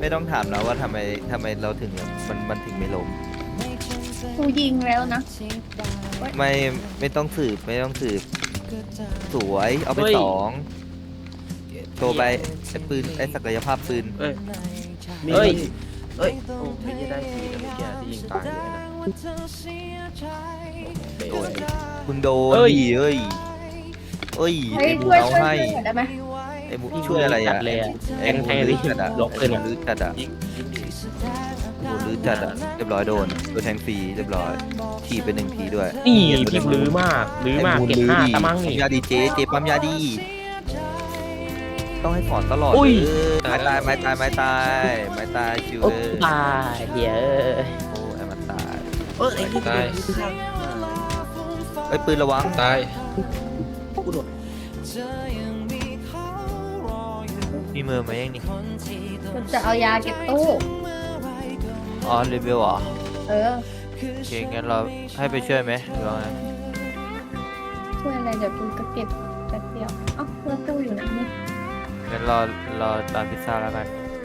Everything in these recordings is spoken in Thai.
ไม่ต้องถามนะว่าทำไมเราถึงมันถึงไม่ล้มกูยิงแล้วนะไม่ไม่ต้องสืบสวยเอาไปสองโชว์ไปไอ้ปืนไอ้ศักยภาพปืนเอ้ยเอ้ยเอ้ยโอ้ไม่ได้ทีนะเมื่อกี้ที่ยิงตายเลยนะโดนมึงโดนเอ้ยดิเอ้ยเฮ้ยไอ้บุช่วยเอาช่วยให้ช่วยหน่อยได้ไหมไอ้บุช่วยอะไรจัอ่ะดเลยอะไอ้บุแทงๆลื้อจัดอ่ะล็อกเลยเนี่ยไอ้บุลื้อจัดอ่ะยิงดีบุลื้อจัดอ่ะเรียบร้อยโดนแทงฟรีเรียบร้อยทีไป1 ทีด้วยนี่พี่ลื้อมากลื้อมากไอ้บุเก็บลื้อห้าดิตะมั่งปั๊นี่มยาดีเจปั๊มยาดีต้องให้สอนตลอดอุ้ยไม่ตายชิวโอ้เลยตายเหี้ยโอ้ไอ้มันตายเออไอ้ที่ตายไอ้ยปืนระวังตายมีมือมายังนี่กูจะเอายาเก็บตู้อ๋อรีวิวเหรอเออโอเคงั้นเราให้ไปช่วยไหมหรือว่าไงช่วยอะไรเดี๋ยวกูก็เก็บแป๊บเดียวเอ้าแล้วตู้อยู่ไหนเนี่ยงั้นรอร้านพิซซ่าแล้วกัน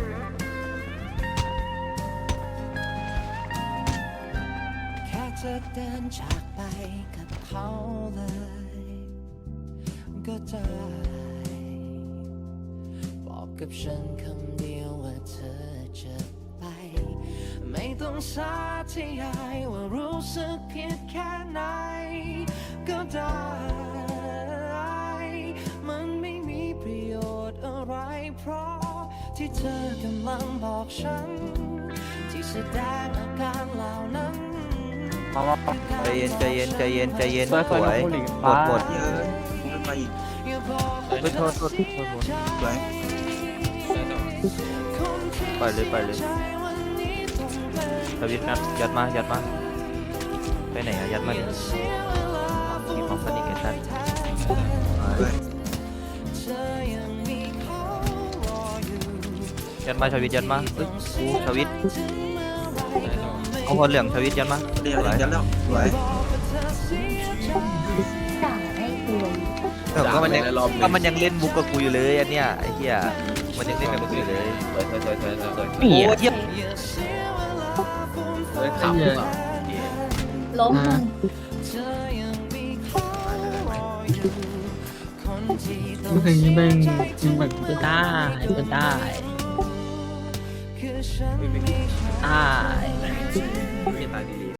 แค่เธอเดินจากไปกับเขาเลย ก็ได้บอกกับฉันคำเดียวว่าเธอจะไป ไม่ต้องสาธยายว่ารู้สึกผิดแค่ไหน ก็ได้ มันไม่มีประโยชน์อะไรเพราะที่เธอกำลังบอกฉัน ที่แสดงอาการเหล่านั้นใจเย็นสวยหมดเยอะไม่ไปอีกไม่โทษหมดสวยปล่อยเลยทวิตนัดยัดมาไปไหนอะยัดมาดิทีมของสนิทกันชันยัดมาชวิตยัดมาเอ้ยกูชวิตเอาพอเหลืองชวิตยัดมาเดี๋ยวยันแล้วสวยด่าได้กูเลยก็มันยังเล่นมุกกับกูอยู่เลยอันเนี้ยไอ้เหี้ยมันยังเล่นกับกูอยู่เลยสวยนี่โอ้อะเหี้ยเฮ้ยขำหรือเปล่าล้มมึงเมื่อคืนนี้แม่งยิงแบบจะได้จะได้ได้ไม่ตายดี